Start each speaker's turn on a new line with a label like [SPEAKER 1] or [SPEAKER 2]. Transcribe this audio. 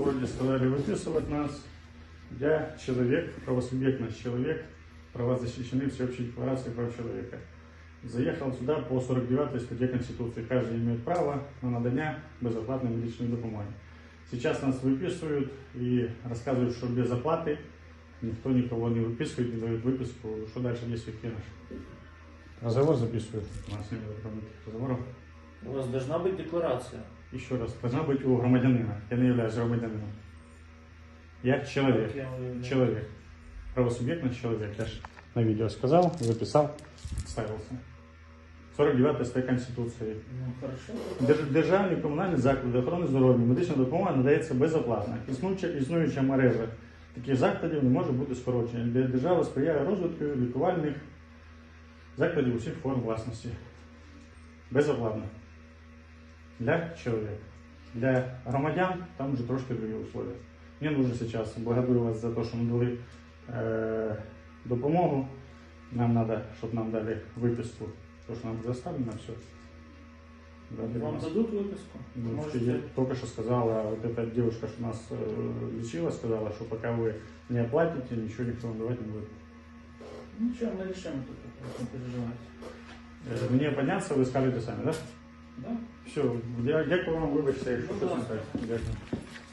[SPEAKER 1] городе сказали выписывать нас. Я человек, правосубъектность человек, права защищены Всеобщей декларацией прав человека. Заехал сюда по 49 статье Конституции. Каждый имеет право на надання безоплатной медичной допомоги. Сейчас нас выписывают и рассказывают, что без оплаты никто никого не выписывает, не дает выписку. Что дальше действует наш? Разговор записывают. У нас не было разговоров.
[SPEAKER 2] У вас должна быть декларация.
[SPEAKER 1] Еще раз, должна быть у громадянина. Я не являюсь громадянином. Я человек. Человек. Правосубъектность человек. Я же на видео сказал, записал, ставился. 49 стаття Конституції.
[SPEAKER 2] Ну, хорошо.
[SPEAKER 1] Державні комунальні заклади охорони здоров'я, медична допомога надається безоплатно. Існуюча мережа таких закладів не може бути скорочена. Держава сприяє розвитку лікувальних закладів усіх форм власності. Безоплатно. Для человека. Для громадян там уже трошки другие условия. Мне нужно сейчас, благодарю вас за то, что мы дали допомогу. Нам надо, чтобы нам дали выписку, то, что нам заставлено все.
[SPEAKER 2] Вам дадут выписку?
[SPEAKER 1] Ну, я только что сказала, вот эта девушка, что нас лечила, сказала, что пока вы не оплатите, ничего никто вам давать не будет.
[SPEAKER 2] Ничего, мы решим это, не переживайте.
[SPEAKER 1] Мне подняться, вы скажете сами, да?
[SPEAKER 2] Да.
[SPEAKER 1] Все, дякую вам, вибачте, якщо щось не так. Дякую.